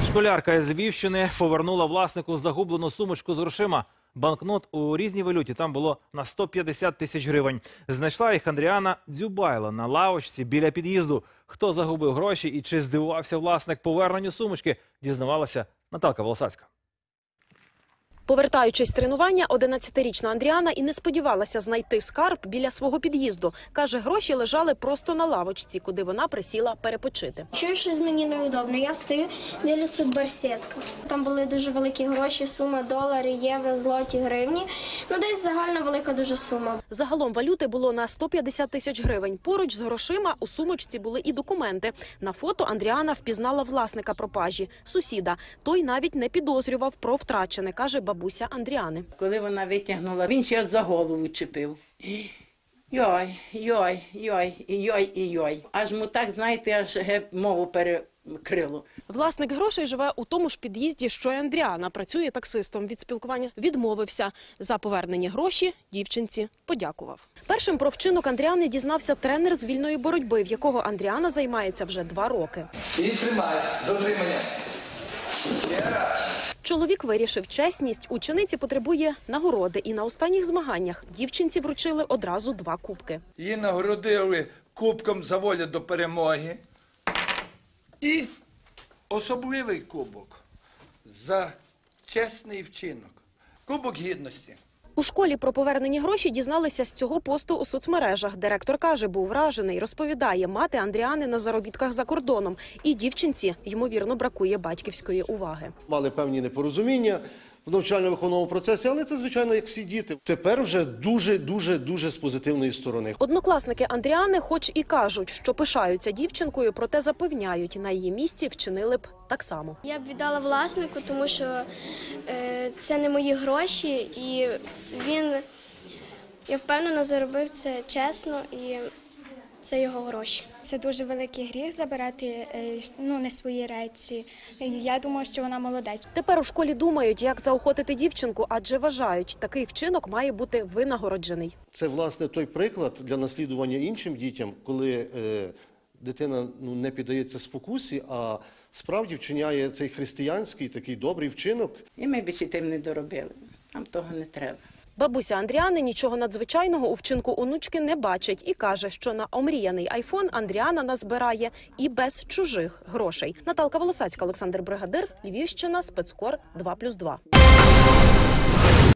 Школярка із Львівщини повернула власнику загублену сумочку з грошима. Банкнот у різній валюті там було на 150 тисяч гривень. Знайшла їх Андріана Дзюбайла на лавочці біля під'їзду. Хто загубив гроші і чи здивувався власник поверненню сумочки, дізнавалася Наталка Волосацька. Повертаючись з тренування, 11-річна Андріана і не сподівалася знайти скарб біля свого під'їзду. Каже, гроші лежали просто на лавочці, куди вона присіла перепочити. Чую, щось мені неудобно. Я встаю, дивлюсь, тут барсетка. Там були дуже великі гроші, сума долари, євро, злоті, гривні. Ну, десь загальна велика дуже сума. Загалом валюти було на 150 тисяч гривень. Поруч з грошима у сумочці були і документи. На фото Андріана впізнала власника пропажі – сусіда. Той навіть не підозрював про втрачене, каже бабуся Андріани. Коли вона витягнула, він ще за голову чепив. Йой, йой, йой, йой, йой. Аж му так, знаєте, аж мову перекрило. Власник грошей живе у тому ж під'їзді, що й Андріана. Працює таксистом. Від спілкування відмовився. За повернені гроші дівчинці подякував. Першим про вчинок Андріани дізнався тренер з вільної боротьби, в якого Андріана займається вже 2 роки. І тримай, дотримання. Чоловік вирішив, чесність учениці потребує нагороди. І на останніх змаганнях дівчинці вручили одразу 2 кубки. Її нагородили кубком за волю до перемоги і особливий кубок за чесний вчинок. Кубок гідності. У школі про повернені гроші дізналися з цього посту у соцмережах. Директор каже, був вражений. Розповідає, мати Андріани на заробітках за кордоном. І дівчинці, ймовірно, бракує батьківської уваги. Мали певні непорозуміння в навчально-виховному процесі, але це, звичайно, як всі діти. Тепер вже дуже з позитивної сторони. Однокласники Андріани хоч і кажуть, що пишаються дівчинкою, проте запевняють, на її місці вчинили б так само. Я б віддала власнику, тому що це не мої гроші, і він, я впевнена, заробив це чесно, і це його гроші. Це дуже великий гріх забирати не свої речі. Я думаю, що вона молодець. Тепер у школі думають, як заохотити дівчинку, адже вважають, такий вчинок має бути винагороджений. Це, власне, той приклад для наслідування іншим дітям, коли дитина не піддається спокусі, а справді вчиняє цей християнський, такий добрий вчинок. І ми більше тим не доробили. Нам того не треба. Бабуся Андріани нічого надзвичайного у вчинку онучки не бачить і каже, що на омріяний айфон Андріана назбирає і без чужих грошей. Наталка Волосацька, Олександр Бригадир, Львівщина, Спецкор 2+2.